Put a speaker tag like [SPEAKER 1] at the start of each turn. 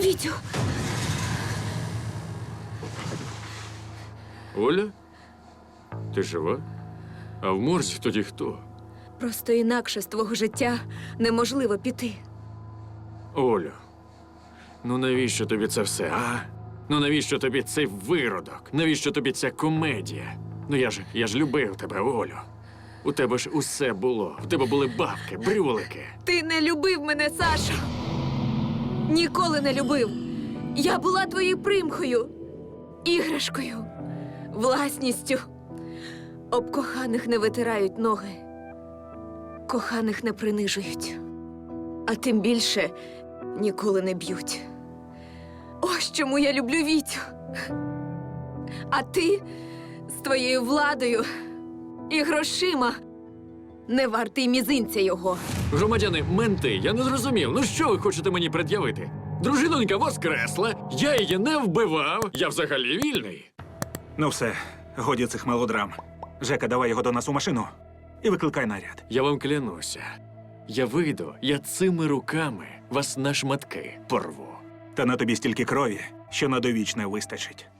[SPEAKER 1] Вітю!
[SPEAKER 2] Оля? Ти жива? А в морзі тоді хто?
[SPEAKER 1] Просто інакше з твого життя неможливо піти.
[SPEAKER 2] Олю, ну навіщо тобі це все, а? Ну навіщо тобі цей виродок? Навіщо тобі ця комедія? Ну я ж любив тебе, Олю. У тебе ж усе було. В тебе були бабки, брюлики.
[SPEAKER 1] Ти не любив мене, Сашо! Ніколи не любив! Я була твоєю примхою, іграшкою, власністю. Об коханих не витирають ноги, коханих не принижують, а тим більше ніколи не б'ють. Ось чому я люблю Вітю. А ти з твоєю владою і грошима не вартий мізинця його.
[SPEAKER 2] Громадяни, менти, я не зрозумів. Ну що ви хочете мені пред'явити? Дружинонька воскресла, я її не вбивав, я взагалі вільний.
[SPEAKER 3] Ну все, годі цих мелодрам. Жека, давай його до нас у машину і викликай наряд.
[SPEAKER 2] Я вам клянуся. Я вийду, я цими руками вас на шматки порву.
[SPEAKER 3] Та на тобі стільки крові, що на довічне вистачить.